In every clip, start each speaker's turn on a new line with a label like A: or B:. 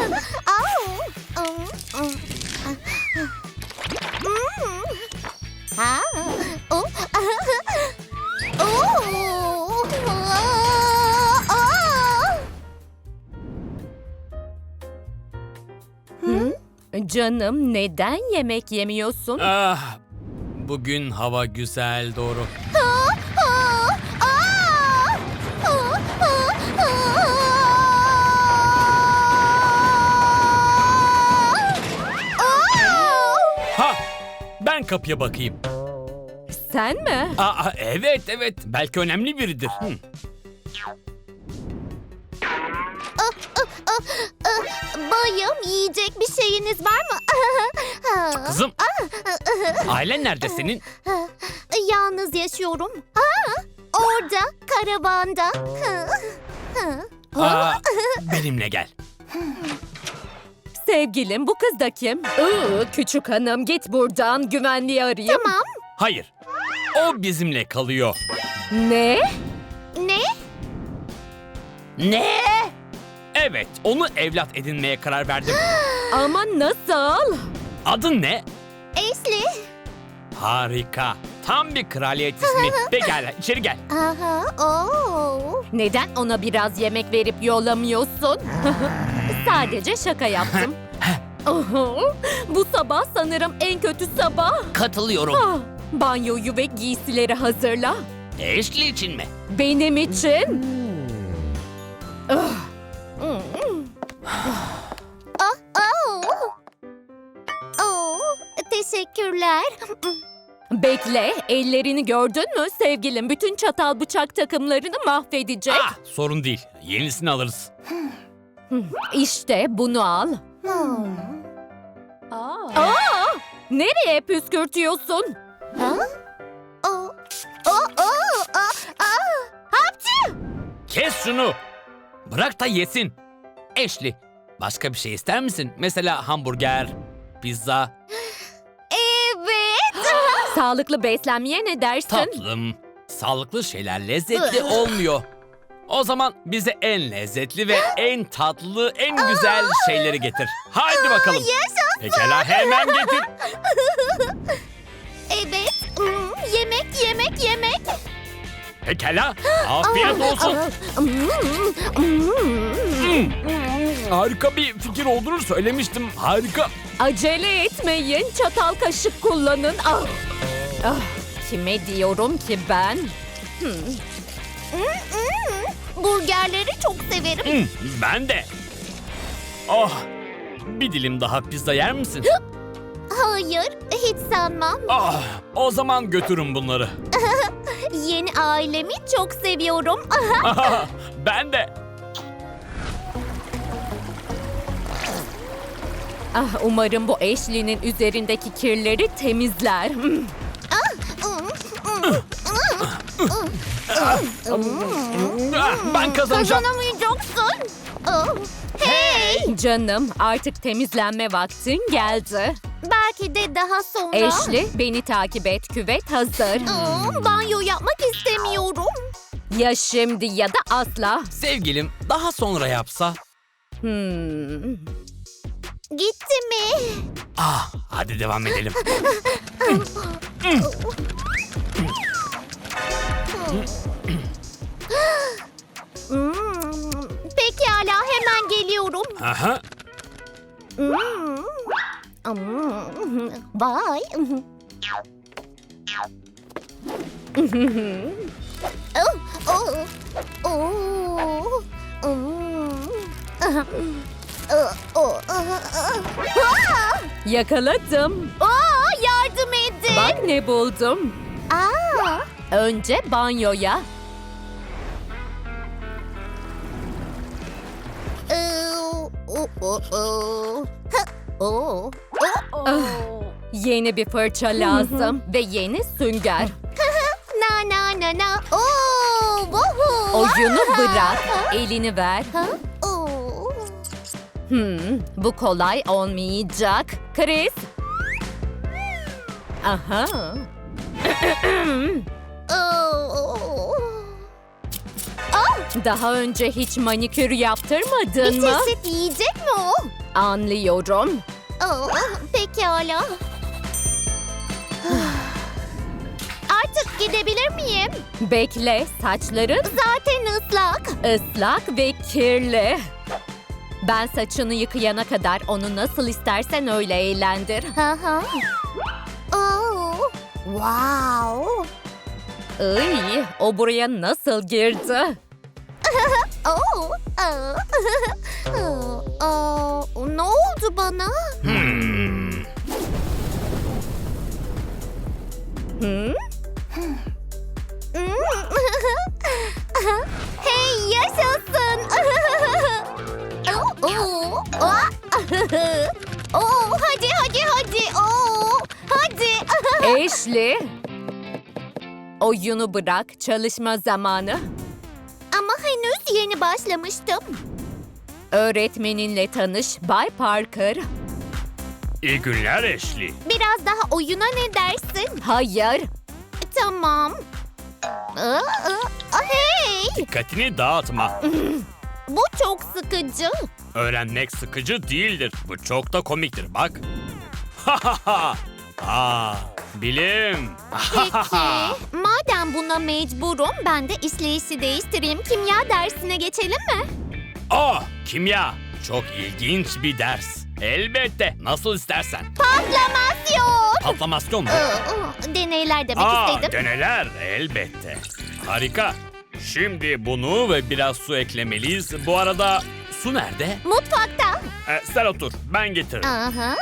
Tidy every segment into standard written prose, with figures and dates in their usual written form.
A: Canım, neden yemek yemiyorsun?
B: Ah, bugün hava güzel, doğru. Ha, ben kapıya bakayım.
A: Sen mi?
B: Evet, belki önemli biridir.
C: Bayım, yiyecek bir şeyiniz var mı?
B: Kızım, ailen nerede senin?
C: Yalnız yaşıyorum. Orada, karavanda.
B: Benimle gel.
A: Sevgilim, bu kız da kim? Küçük hanım, git buradan, güvenliği arayayım.
C: Tamam.
B: Hayır, o bizimle kalıyor.
A: Ne?
C: Ne?
B: Ne? Evet, onu evlat edinmeye karar verdim.
A: Ama nasıl?
B: Adın ne?
C: Ashley.
B: Harika. Tam bir kraliyet ismi. Pekala, içeri gel.
A: Neden ona biraz yemek verip yollamıyorsun? Sadece şaka yaptım. Bu sabah sanırım en kötü sabah.
B: Katılıyorum.
A: Banyoyu ve giysileri hazırla.
B: Ashley için mi?
A: Benim için.
C: Teşekkürler.
A: Bekle, ellerini gördün mü sevgilim? Bütün çatal bıçak takımlarını mahvedecek.
B: Sorun değil. Yenisini alırız.
A: İşte bunu al. Nereye püskürtüyorsun?
B: Kes şunu. Bırak da yesin. Ashley, başka bir şey ister misin? Mesela hamburger, pizza.
C: Evet.
A: Sağlıklı beslenmeye ne dersin?
B: Tatlım, sağlıklı şeyler lezzetli olmuyor. O zaman bize en lezzetli ve en tatlı, en güzel şeyleri getir. Haydi bakalım. Pekala, hemen getir.
C: Evet. Yemek.
B: Pekala, afiyet olsun. Harika bir fikir olduğunu söylemiştim. Harika.
A: Acele etmeyin, çatal kaşık kullanın. Kime diyorum ki ben?
C: Burgerleri çok severim.
B: Ben de. Oh, bir dilim daha pizza yer misin?
C: Hayır, hiç sanmam.
B: O zaman götürün bunları.
C: Yeni ailemi çok seviyorum.
B: Ben de.
A: Umarım bu Ashley'nin üzerindeki kirleri temizler.
B: Ben kazanacağım.
C: Kazanamayacaksın. Hey!
A: Canım, artık temizlenme vaktin geldi.
C: Belki de daha sonra.
A: Ashley, beni takip et. Küvet hazır.
C: Banyo yapmak istemiyorum.
A: Ya şimdi ya da asla.
B: Sevgilim, daha sonra yapsa.
C: Gitti mi?
B: Hadi devam edelim.
C: Pekala, hemen geliyorum.
B: Aha.
C: Vay.
A: Yakaladım.
C: Yardım edin.
A: Bak ne buldum. Önce banyoya. Yeni bir fırça lazım ve yeni sünger.
C: Na.
A: Oyunu bırak, elini ver. Bu kolay olmayacak. Chris. Aha. Daha önce hiç manikür yaptırmadın
C: Bir
A: mı?
C: çeşit yiyecek mi o?
A: Anlıyorum.
C: Pekala. Artık gidebilir miyim?
A: Bekle, saçların
C: Zaten ıslak.
A: ıslak ve kirli. Ben saçını yıkayana kadar onu nasıl istersen öyle eğlendir.
C: Haha. Oh, wow.
A: Iy, o buraya nasıl girdi?
C: Oh, ne oldu bana?
A: Hı?
C: Hey, yaşasın. Hadi. Hadi.
A: Ashley. Oyunu bırak, çalışma zamanı.
C: Ama henüz yeni başlamıştım.
A: Öğretmeninle tanış, Bay Parker.
B: İyi günler Ashley.
C: Biraz daha oyuna ne dersin?
A: Hayır,
C: Tamam. Hey,
B: Dikkatini dağıtma.
C: bu çok sıkıcı.
B: Öğrenmek sıkıcı değildir. Bu çok da komiktir bak. Ha ha ha. Aa, bilim.
C: Peki, madem buna mecburum, ben de işleyişi değiştireyim. Kimya dersine geçelim mi?
B: Kimya. Çok ilginç bir ders. Elbette. Nasıl istersen.
C: Patlamasyon.
B: Patlamasyon mu?
C: Deneyler demek istedim.
B: Deneler. Elbette. Harika. Şimdi bunu ve biraz su eklemeliyiz. Bu arada su nerede?
C: Mutfakta.
B: Sen otur. Ben getiririm.
C: Aha.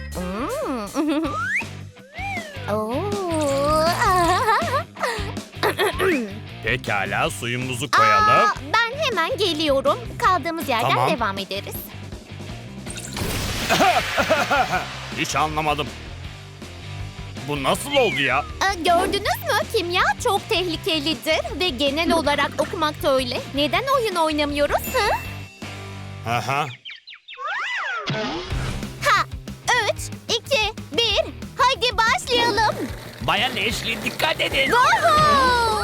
B: Pekala suyumuzu koyalım.
C: Ben hemen geliyorum. Kaldığımız yerden
B: Tamam.
C: devam ederiz.
B: Hiç anlamadım. Bu nasıl oldu ya?
C: Gördünüz mü? Kimya çok tehlikelidir ve genel olarak okumak da öyle. Neden oyun oynamıyoruz?
B: Aha.
C: Ha! 3, 2, 1. Hadi başlayalım.
B: Bayan Ashley dikkat edin.
C: Woohoo!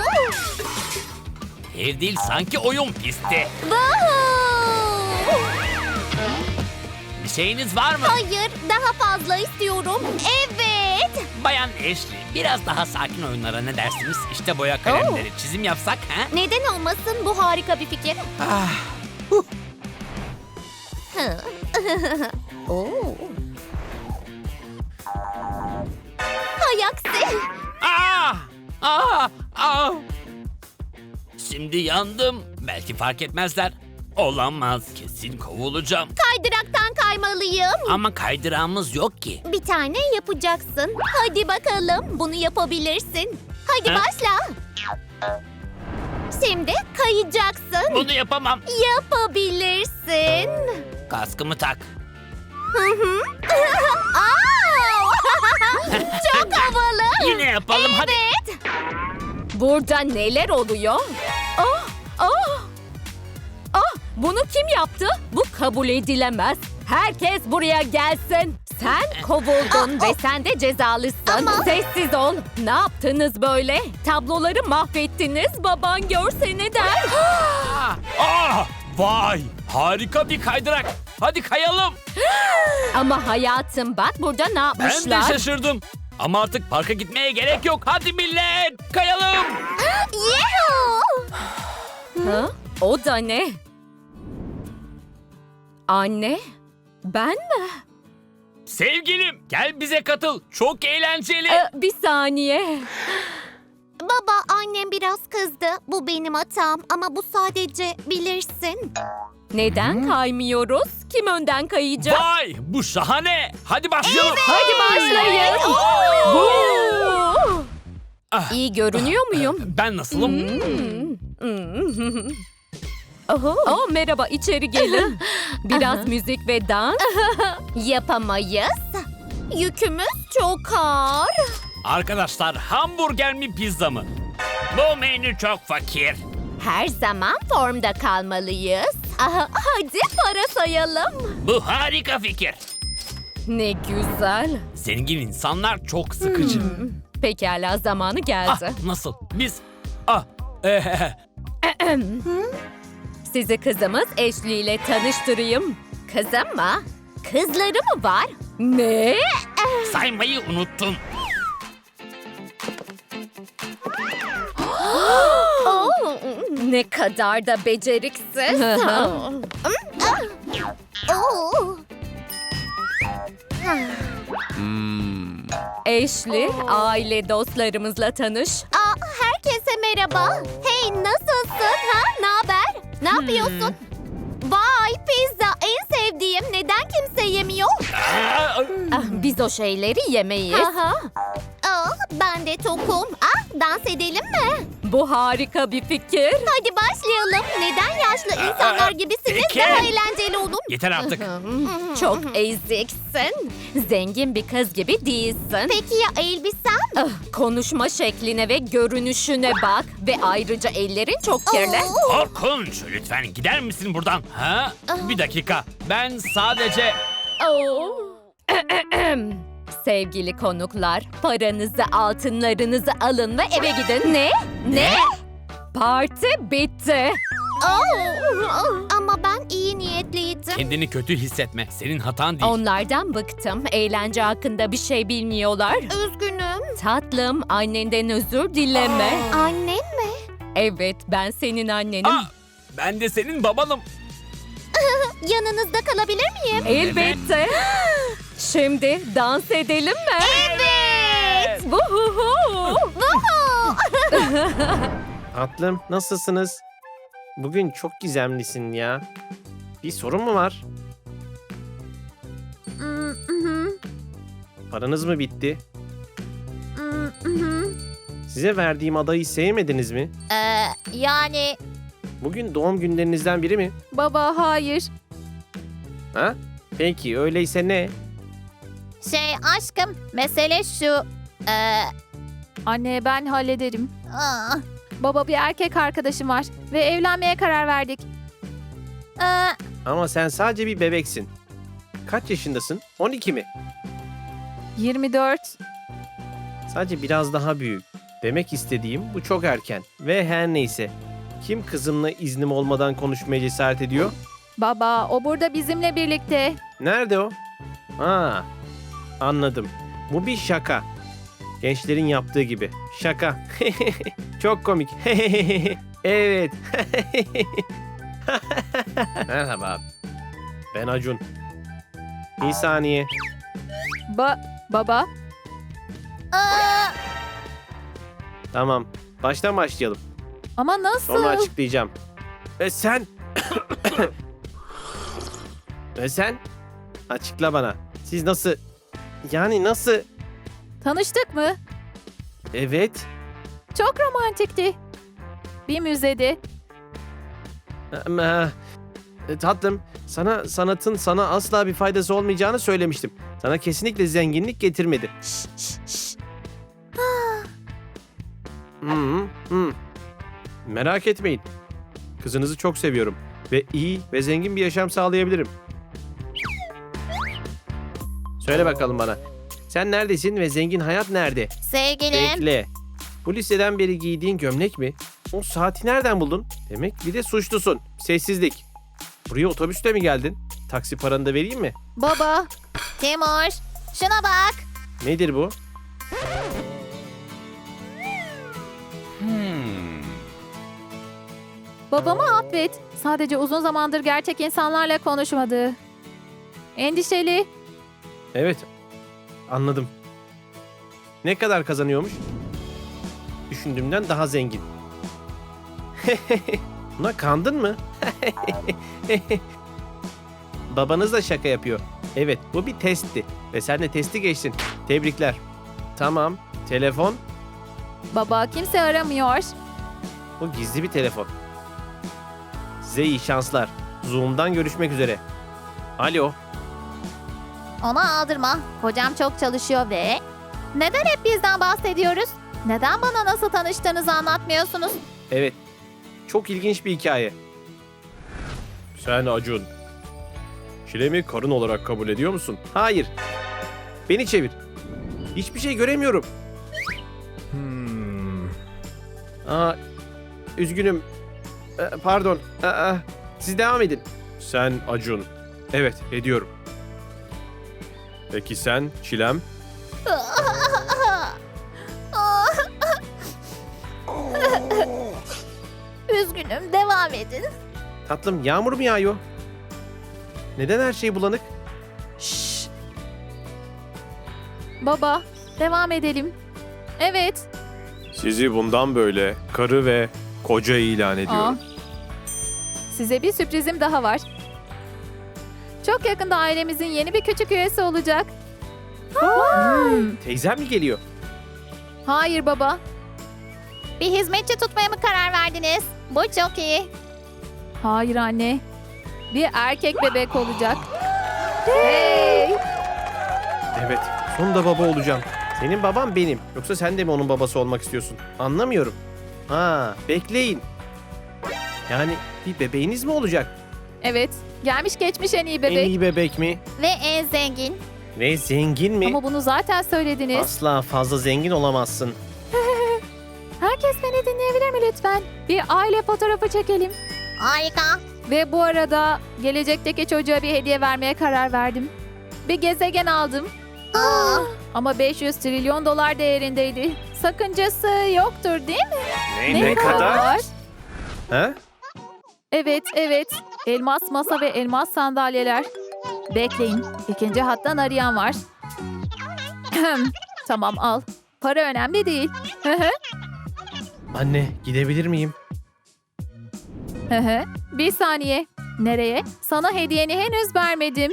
B: Ev değil sanki oyun pisti.
C: Woohoo!
B: Bir şeyiniz var mı?
C: Hayır, daha fazla istiyorum. Evet.
B: Bayan Ashley biraz daha sakin oyunlara ne dersiniz? İşte boya kalemleri çizim yapsak ha?
C: Neden olmasın? Bu harika bir fikir. Oo. Hay aksi.
B: Şimdi yandım. Belki fark etmezler. Olamaz. Kesin kovulacağım.
C: Kaydıraktan kaymalıyım.
B: Ama kaydırağımız yok ki.
C: Bir tane yapacaksın. Hadi bakalım. Bunu yapabilirsin. Hadi
B: Ha?
C: başla. Şimdi kayacaksın.
B: Bunu yapamam.
C: Yapabilirsin.
B: Kaskımı tak.
C: Aa! Çok havalı.
B: Yine yapalım hadi.
C: Evet.
A: burada neler oluyor? Bunu kim yaptı? Bu kabul edilemez. Herkes buraya gelsin. Sen kovuldun ve sen de cezalısın.
C: Ama-
A: Sessiz ol. Ne yaptınız böyle? Tabloları mahvettiniz. Baban görse ne der?
B: Vay! Harika bir kaydırak. Hadi kayalım.
A: Ama hayatım bak burada ne
B: Ben
A: yapmışlar?
B: de şaşırdım. Ama artık parka gitmeye gerek yok. Hadi millet kayalım.
C: Yuhuu!
A: Ha? O da ne? Anne? Ben mi?
B: Sevgilim gel bize katıl. Çok eğlenceli.
A: Bir saniye.
C: Baba, annem biraz kızdı. Bu benim hatam ama bu sadece bilirsin.
A: Neden kaymıyoruz? Kim önden kayacak?
B: Vay bu şahane. Hadi başlayalım.
A: Hadi başlayın. Woo!
B: Ah.
A: İyi görünüyor muyum?
B: Ben nasılım?
A: Oh, merhaba, içeri gelin. Biraz müzik ve dans.
C: Yapamayız. Yükümüz çok ağır.
B: Arkadaşlar hamburger mi pizza mı? Bu menü çok fakir.
C: Her zaman formda kalmalıyız. Hadi para sayalım.
B: Bu harika fikir.
A: Ne güzel.
B: Zengin insanlar çok sıkıcı.
A: Pekala, zamanı geldi.
B: Nasıl? Biz...
A: Sizi kızımız Ashley ile tanıştırayım. Kızım mı? Kızları mı var? Ne?
B: Saymayı unuttun.
A: Ne kadar da beceriksiz.
C: Oo.
A: Ashley, aile dostlarımızla tanış.
C: Herkese merhaba. Hey, nasılsın? Ne haber? Ne yapıyorsun? Vay, pizza en sevdiğim. Neden kimse yemiyor?
A: Biz o şeyleri yemeyiz.
C: Ben de tokum. Dans edelim mi?
A: Bu harika bir fikir.
C: Hadi başlayalım. Neden yaşlı insanlar gibisiniz?
B: peki.
C: Daha eğlenceli olur.
B: Yeter artık.
A: Çok eziksin. Zengin bir kız gibi değilsin.
C: Peki ya elbisem?
A: Konuşma şekline ve görünüşüne bak. Ve ayrıca ellerin çok kirli.
B: Korkunç. Lütfen gider misin buradan? Ha? Bir dakika. Ben sadece...
A: Oo. Sevgili konuklar, paranızı, altınlarınızı alın ve eve gidin. Ne? Parti bitti.
C: Ama ben iyi niyetliydim.
B: Kendini kötü hissetme. Senin hatan değil.
A: Onlardan bıktım. Eğlence hakkında bir şey bilmiyorlar.
C: Üzgünüm.
A: Tatlım, annenden özür dileme.
C: Annem mi?
A: Evet, ben senin annenim.
B: Ben de senin babanım.
C: Yanınızda kalabilir miyim?
A: Elbette. Şimdi dans edelim mi?
C: Evet.
A: Vuhuhu.
D: Tatlım, nasılsınız? Bugün çok gizemlisin ya. Bir sorun mu var? Paranız mı bitti? Size verdiğim adayı sevmediniz mi?
C: Yani
D: Bugün doğum günlerinizden biri mi?
A: Baba, hayır.
D: Ha? Peki, öyleyse ne?
C: aşkım, mesele şu.
E: Anne, ben hallederim. Baba, bir erkek arkadaşım var ve evlenmeye karar verdik.
D: Ama sen sadece bir bebeksin. Kaç yaşındasın? 12 mi?
E: 24.
D: Sadece biraz daha büyük. Demek istediğim bu çok erken. Ve her neyse. Kim kızımla iznim olmadan konuşmaya cesaret ediyor?
E: Baba, o burada bizimle birlikte.
D: Nerede o? Anladım. Bu bir şaka. Gençlerin yaptığı gibi. Şaka. Çok komik. Evet. Merhaba. Ben Acun. Bir saniye.
E: Baba,
D: Tamam. Baştan başlayalım.
E: ama nasıl?
D: Sonra açıklayacağım. Ve sen... Ve sen... Açıkla bana. Siz nasıl... Yani nasıl...
E: Tanıştık mı?
D: Evet.
E: Çok romantikti. Bir müzede.
D: Ama... Tatlım, sanatın sana asla bir faydası olmayacağını söylemiştim. Sana kesinlikle zenginlik getirmedi. Merak etmeyin. Kızınızı çok seviyorum ve iyi ve zengin bir yaşam sağlayabilirim. Söyle bakalım bana. Sen neredesin ve zengin hayat nerede?
C: Sevgilim.
D: Bekle. Bu liseden beri giydiğin gömlek mi? O saati nereden buldun? Demek bir de suçlusun. Sessizlik. Buraya otobüsle mi geldin? Taksi paranı da vereyim mi?
E: Baba,
C: Timur, şuna bak.
D: Nedir bu?
E: babamı affet. Sadece uzun zamandır gerçek insanlarla konuşmadı. Endişeli.
D: Evet. Anladım. Ne kadar kazanıyormuş? Düşündüğümden daha zengin. Buna kandın mı? Babanız da şaka yapıyor. Evet, bu bir testti. Ve sen de testi geçtin. Tebrikler. Tamam. Telefon.
E: Baba, kimse aramıyor.
D: Bu gizli bir telefon. Size iyi şanslar. Zoom'dan görüşmek üzere. Alo.
C: Ona aldırma. Kocam çok çalışıyor ve... Neden hep bizden bahsediyoruz? Neden bana nasıl tanıştığınızı anlatmıyorsunuz?
D: Evet. Çok ilginç bir hikaye. Sen Acun. Çilemi karın olarak kabul ediyor musun? Hayır. Beni çevir. Hiçbir şey göremiyorum. Üzgünüm. Pardon. Siz devam edin. Sen Acun. Evet, ediyorum. Peki sen Çilem?
C: Üzgünüm, devam edin.
D: Tatlım, yağmur mu yağıyor? Neden her şey bulanık?
E: Şşş. Baba, devam edelim. Evet.
D: Sizi bundan böyle karı ve koca ilan ediyorum.
E: Size bir sürprizim daha var. Çok yakında ailemizin yeni bir küçük üyesi olacak.
D: Teyzem mi geliyor?
E: Hayır baba.
C: Bir hizmetçi tutmaya mı karar verdiniz? Bu çok iyi.
E: Hayır anne. Bir erkek bebek olacak. Hey!
D: Evet, sonunda baba olacağım. Senin baban benim. Yoksa sen de mi onun babası olmak istiyorsun? Anlamıyorum. Ha, bekleyin. Yani bir bebeğiniz mi olacak?
E: Evet. Gelmiş geçmiş en iyi bebek.
D: En iyi bebek mi?
C: Ve en zengin.
D: Ve zengin mi?
E: Ama bunu zaten söylediniz.
D: Asla fazla zengin olamazsın.
E: Herkes beni dinleyebilir mi lütfen? Bir aile fotoğrafı çekelim.
C: Harika.
E: Ve bu arada gelecekteki çocuğa bir hediye vermeye karar verdim. Bir gezegen aldım. Ama 500 trilyon dolar değerindeydi. Sakıncası yoktur değil mi?
D: Ne kadar? Ha?
E: Evet. Elmas masa ve elmas sandalyeler. Bekleyin. İkinci hattan arayan var. Tamam al. Para önemli değil.
D: Anne, gidebilir miyim?
E: Bir saniye. Nereye? Sana hediyeni henüz vermedim.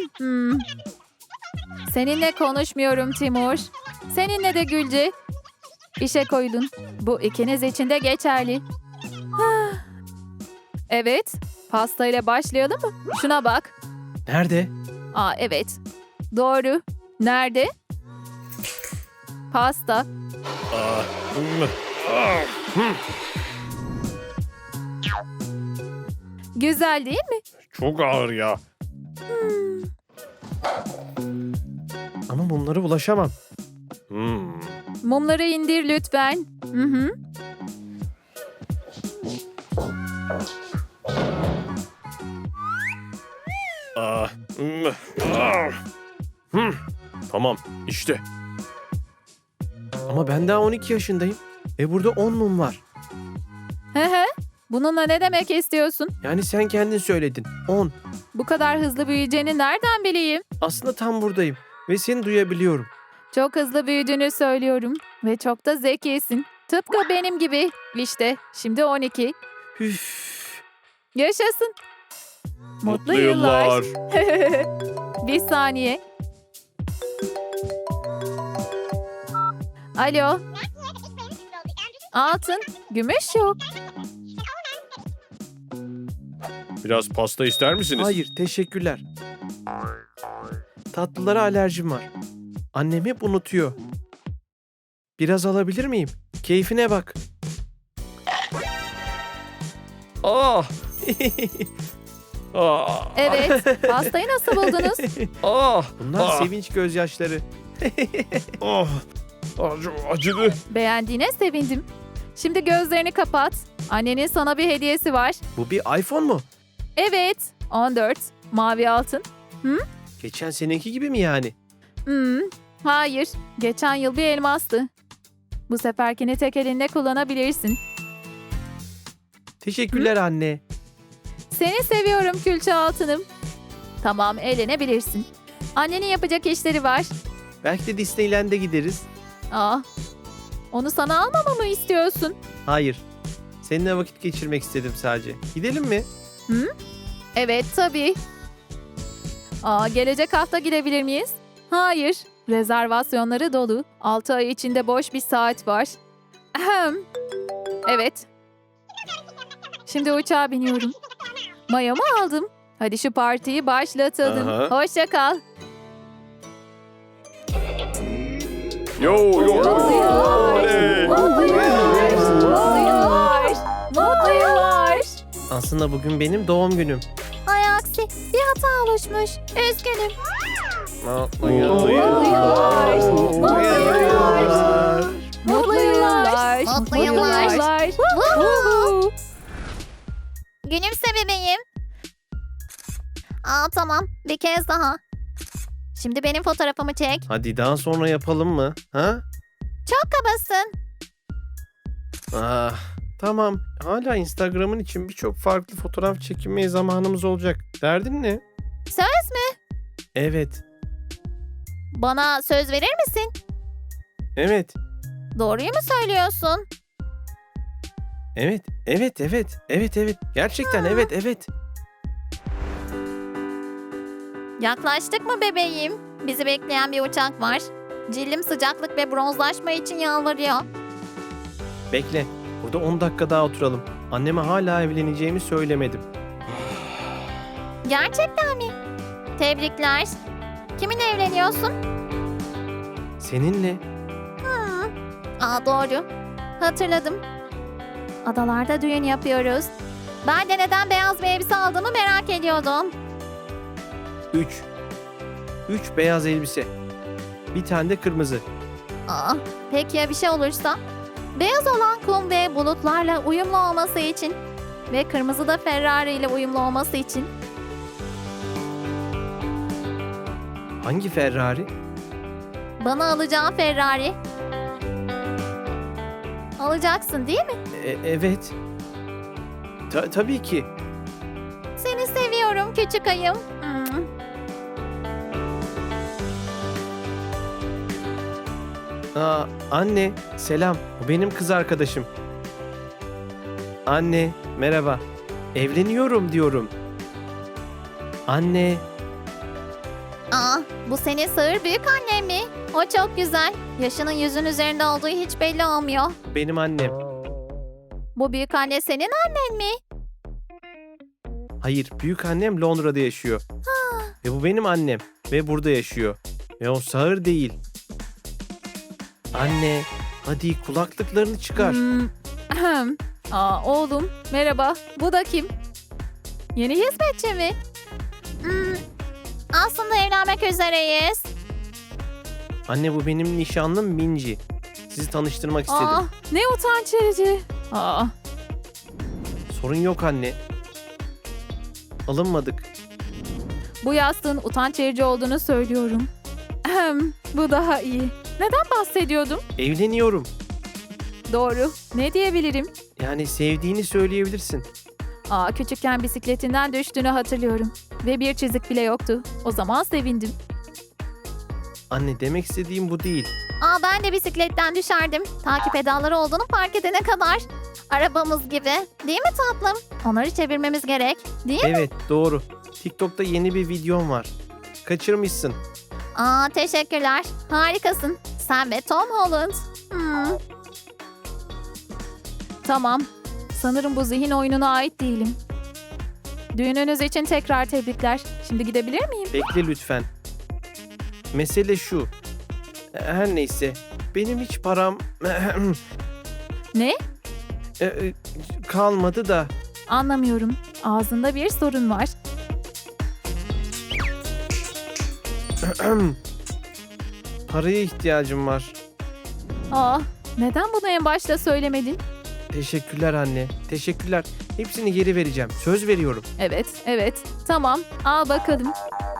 E: Seninle konuşmuyorum Timur. Seninle de Gülce. İşe koyulun. Bu ikiniz için de geçerli. Evet. Pasta ile başlayalım mı? Şuna bak.
D: Nerede?
E: Evet. Doğru. Nerede? Pasta. Güzel değil mi?
D: Çok ağır ya. Ama mumlara ulaşamam.
E: Mumları indir lütfen. Hı.
D: Tamam, işte. Ama ben daha 12 yaşındayım. Burada 10 mum var.
E: Bununla ne demek istiyorsun?
D: Yani sen kendin söyledin. 10.
E: Bu kadar hızlı büyüyeceğini nereden bileyim?
D: Aslında tam buradayım. Ve seni duyabiliyorum.
E: Çok hızlı büyüdüğünü söylüyorum. Ve çok da zekisin. Tıpkı benim gibi. İşte şimdi 12.
D: Üf.
E: Yaşasın. Mutlu yıllar. Bir saniye. Alo. Altın, gümüş yok.
D: Biraz pasta ister misiniz? Hayır, teşekkürler. Tatlılara alerjim var. Annem hep unutuyor. Biraz alabilir miyim? Keyfine bak. Ah!
E: Evet, pastayı nasıl buldunuz?
D: Bunlar sevinç gözyaşları. Acıdı.
E: Beğendiğine sevindim. Şimdi gözlerini kapat. Annenin sana bir hediyesi var.
D: Bu bir iPhone mu?
E: Evet, 14. Mavi altın.
D: Geçen seneki gibi mi yani?
E: Hayır, geçen yıl bir elmastı. Bu seferkini tek elinde kullanabilirsin.
D: Teşekkürler anne.
E: Seni seviyorum külçe altınım. Tamam, eğlenebilirsin. Annenin yapacak işleri var.
D: Belki de Disneyland'e gideriz.
E: Onu sana almamı mı istiyorsun?
D: Hayır. Seninle vakit geçirmek istedim sadece. Gidelim mi?
E: Evet, tabii. Gelecek hafta gidebilir miyiz? Hayır. Rezervasyonları dolu. 6 ay içinde boş bir saat var. Ahem. Evet. Şimdi uçağa biniyorum. Mayomu aldım. Hadi şu partiyi başlatalım.
D: Aha.
E: Hoşça kal.
D: Yo.
E: Mutlu yıllar. Mutlu yıllar. Mutlu yıllar. Mutlu yıllar.
D: Aslında bugün benim doğum günüm.
C: Ay aksi, bir hata oluşmuş. Üzgünüm.
D: Mutlu
E: Mutlu yıllar. Mutlu yıllar. Mutlu yıllar.
C: Mutlu yıllar.
E: Woohoo.
C: Gülümse bebeğim. Tamam. Bir kez daha. Şimdi benim fotoğrafımı çek.
D: Hadi daha sonra yapalım mı? Ha?
C: Çok kabasın.
D: Ah, tamam. Hala Instagram'ın için birçok farklı fotoğraf çekinmeye zamanımız olacak. Derdin ne?
C: Söz mü?
D: Evet.
C: Bana söz verir misin?
D: Evet.
C: Doğruyu mu söylüyorsun?
D: Evet. Evet. Evet. Evet. Evet. Gerçekten evet. Evet.
C: Yaklaştık mı bebeğim? Bizi bekleyen bir uçak var. Cildim sıcaklık ve bronzlaşma için yalvarıyor.
D: Bekle. Burada 10 dakika daha oturalım. Anneme hala evleneceğimi söylemedim.
C: Gerçekten mi? Tebrikler. Kiminle evleniyorsun?
D: Seninle.
C: Doğru. Hatırladım. Adalarda düğün yapıyoruz. Ben de neden beyaz bir elbise aldığımı merak ediyordum.
D: 3. 3 beyaz elbise. Bir tane de kırmızı.
C: Peki ya bir şey olursa? Beyaz olan kum ve bulutlarla uyumlu olması için ve kırmızı da Ferrari ile uyumlu olması için.
D: Hangi Ferrari?
C: Bana alacağın Ferrari. Alacaksın değil mi?
D: Evet. Tabii ki.
C: Seni seviyorum küçük ayım.
D: Anne, selam. Bu benim kız arkadaşım. Anne, merhaba. Evleniyorum diyorum. Anne,
C: Bu senin sığır büyük annen mi? O çok güzel. Yaşının yüzün üzerinde olduğu hiç belli olmuyor.
D: benim annem.
C: Bu büyük anne senin annen mi?
D: Hayır, büyük annem Londra'da yaşıyor. Ve bu benim annem. Ve burada yaşıyor. Ve o sağır değil. Anne, hadi kulaklıklarını çıkar.
E: Ahem. Oğlum merhaba. Bu da kim? Yeni hizmetçi mi?
C: Aslında evlenmek üzereyiz.
D: Anne bu benim nişanlım Minci. Sizi tanıştırmak istedim.
E: Ne utanç verici.
D: Sorun yok anne. Alınmadık.
E: Bu yastığın utanç verici olduğunu söylüyorum. Bu daha iyi. Neden bahsediyordum?
D: Evleniyorum.
E: Doğru. Ne diyebilirim?
D: Yani sevdiğini söyleyebilirsin.
E: Küçükken bisikletinden düştüğünü hatırlıyorum. Ve bir çizik bile yoktu. O zaman sevindim.
D: Anne demek istediğim bu değil.
C: Ben de bisikletten düşerdim. Takip pedalları olduğunu fark edene kadar. Arabamız gibi. Değil mi tatlım? Onları çevirmemiz gerek. Değil mi?
D: Evet doğru. TikTok'ta yeni bir videom var. Kaçırmışsın.
C: Teşekkürler. Harikasın. Sen ve Tom Holland.
E: Tamam. Sanırım bu zihin oyununa ait değilim. Düğününüz için tekrar tebrikler. Şimdi gidebilir miyim?
D: Bekle lütfen. Mesele şu. Her neyse. Benim hiç param
E: Ne?
D: kalmadı da.
E: Anlamıyorum. Ağzında bir sorun var.
D: Paraya ihtiyacım var.
E: Neden bunu en başta söylemedin?
D: Teşekkürler anne. Teşekkürler. Hepsini geri vereceğim. Söz veriyorum.
E: Evet. Tamam. Al bakalım.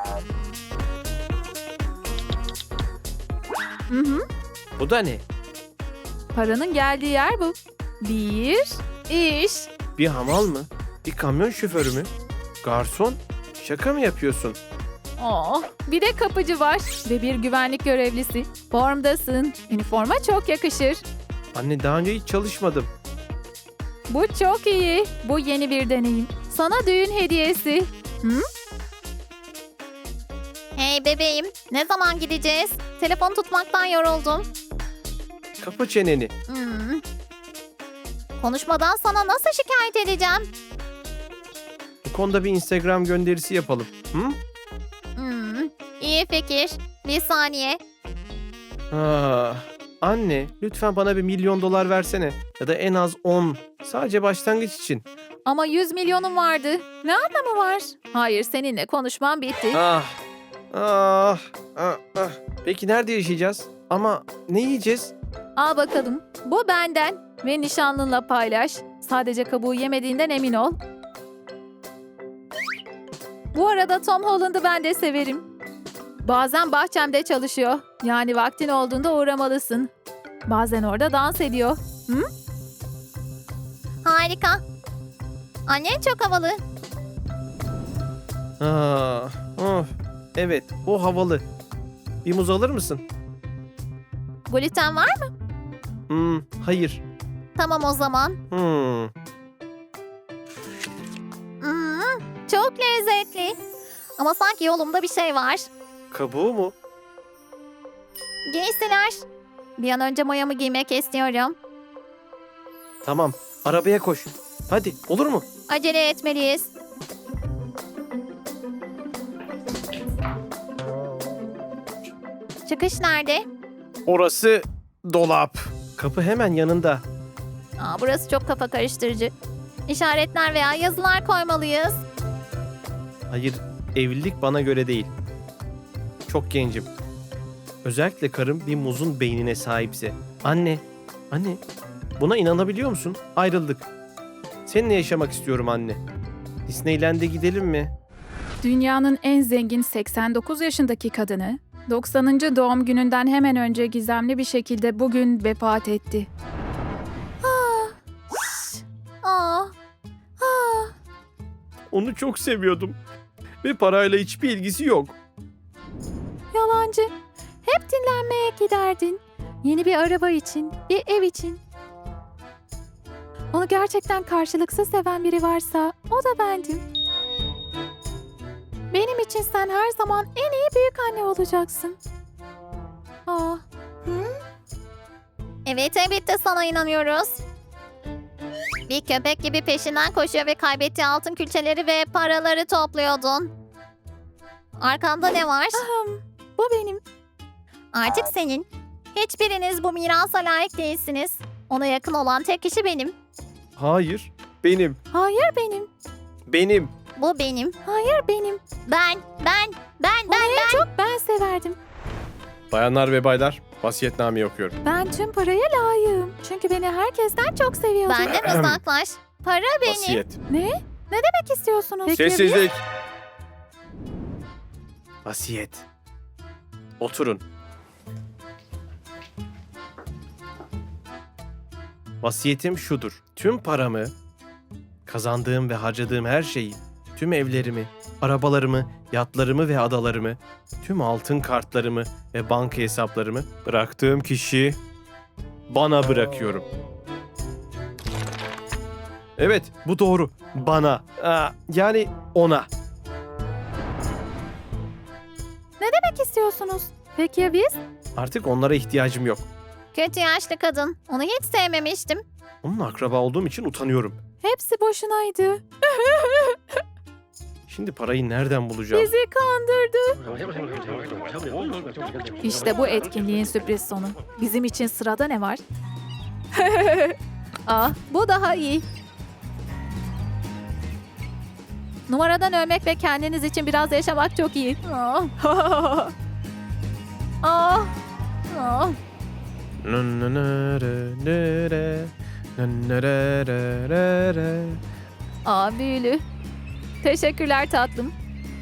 D: Bu da ne?
E: Paranın geldiği yer bu. Bir iş.
D: Bir hamal mı? Bir kamyon şoförü mü? Garson? Şaka mı yapıyorsun?
E: Bir de kapıcı var ve bir güvenlik görevlisi. Formdasın. Üniforma çok yakışır.
D: Anne daha önce hiç çalışmadım.
E: Bu çok iyi. Bu yeni bir deneyim. Sana düğün hediyesi.
C: Hey bebeğim. Ne zaman gideceğiz? Telefon tutmaktan yoruldum.
D: Kapa çeneni.
C: Konuşmadan sana nasıl şikayet edeceğim?
D: Bu konuda bir Instagram gönderisi yapalım. Hı?
C: İyi fikir. Bir saniye.
D: Anne lütfen bana $1 milyon versene. Ya da en az 10. Sadece başlangıç için.
E: Ama 100 milyonum vardı. Ne anlamı var? Hayır, seninle konuşmam bitti.
D: Peki nerede yaşayacağız? Ama ne yiyeceğiz?
E: Al bakalım. Bu benden ve nişanlınla paylaş. Sadece kabuğu yemediğinden emin ol. Bu Bu arada Tom Holland'ı ben de severim. Bazen bahçemde çalışıyor. Yani vaktin olduğunda uğramalısın. Bazen orada dans ediyor. Hı?
C: Harika. Annen çok havalı.
D: Of. Evet, o havalı. Bir muz alır mısın?
C: Gluten var mı?
D: Hayır.
C: Tamam o zaman. Çok lezzetli. Ama sanki yolumda bir şey var.
D: Kabuğu mu?
C: Giysiler. Bir an önce mayamı giymek istiyorum.
D: Tamam, arabaya koş. Hadi, olur mu?
C: Acele etmeliyiz. Çıkış nerede?
D: Orası dolap. Kapı hemen yanında.
C: Burası çok kafa karıştırıcı. İşaretler veya yazılar koymalıyız.
D: Hayır, evlilik bana göre değil. Çok gencim. Özellikle karım bir muzun beynine sahipse. Anne, buna inanabiliyor musun? Ayrıldık. Seninle yaşamak istiyorum anne. Disneyland'e gidelim mi?
E: Dünyanın en zengin 89 yaşındaki kadını 90. doğum gününden hemen önce gizemli bir şekilde bugün vefat etti.
C: Aa,
D: Onu çok seviyordum. Ve parayla hiçbir ilgisi yok.
E: Yalancı. Hep dinlenmeye giderdin. Yeni bir araba için, bir ev için. Onu gerçekten karşılıksız seven biri varsa o da bendim. Benim için sen her zaman en iyi büyük anne olacaksın.
C: evet elbette sana inanıyoruz. Bir köpek gibi peşinden koşuyor ve kaybettiği altın külçeleri ve paraları topluyordun. Arkanda ne var?
E: Bu benim.
C: Artık senin. Hiçbiriniz bu mirasa layık değilsiniz. Ona yakın olan tek kişi benim.
D: Hayır, benim.
E: Hayır benim.
D: Benim.
C: Bu benim.
E: Hayır benim.
C: Ben.
E: Onu en çok ben severdim.
D: Bayanlar ve baylar, vasiyetnameyi okuyorum.
E: Ben tüm paraya layığım. Çünkü beni herkesten çok seviyordu.
C: Benden uzaklaş. Para benim.
D: Vasiyet.
E: Ne? Ne demek istiyorsunuz? Peki,
D: Sessizlik. Vasiyet. Oturun. Vasiyetim şudur. Tüm paramı, kazandığım ve harcadığım her şeyi, tüm evlerimi, arabalarımı, yatlarımı ve adalarımı, tüm altın kartlarımı ve banka hesaplarımı bıraktığım kişi bana bırakıyorum. Evet, bu doğru. Bana. Yani ona.
E: Ne demek istiyorsunuz? Peki ya biz?
D: Artık onlara ihtiyacım yok.
C: Kötü yaşlı kadın. Onu hiç sevmemiştim.
D: Onunla akraba olduğum için utanıyorum.
E: Hepsi boşunaydı.
D: Şimdi parayı nereden bulacağım?
E: Bizi kandırdı. İşte bu etkinliğin sürpriz sonu. Bizim için sırada ne var? Bu daha iyi. Numaradan ölmek ve kendiniz için biraz yaşamak çok iyi. Büyülü. Teşekkürler tatlım.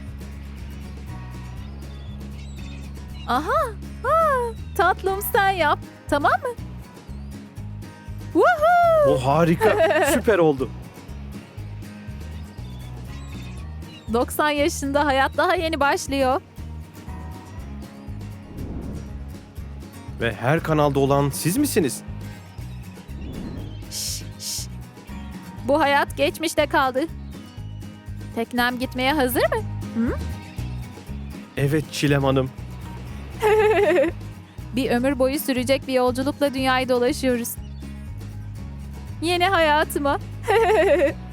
E: Tatlım sen yap. Tamam mı? Woohoo!
D: O harika. Süper oldu.
E: 90 yaşında hayat daha yeni başlıyor.
D: Ve her kanalda olan siz misiniz?
E: Bu hayat geçmişte kaldı. Teknem gitmeye hazır mı?
D: Evet Çilem Hanım.
E: Bir ömür boyu sürecek bir yolculukla dünyayı dolaşıyoruz. Yeni hayatıma.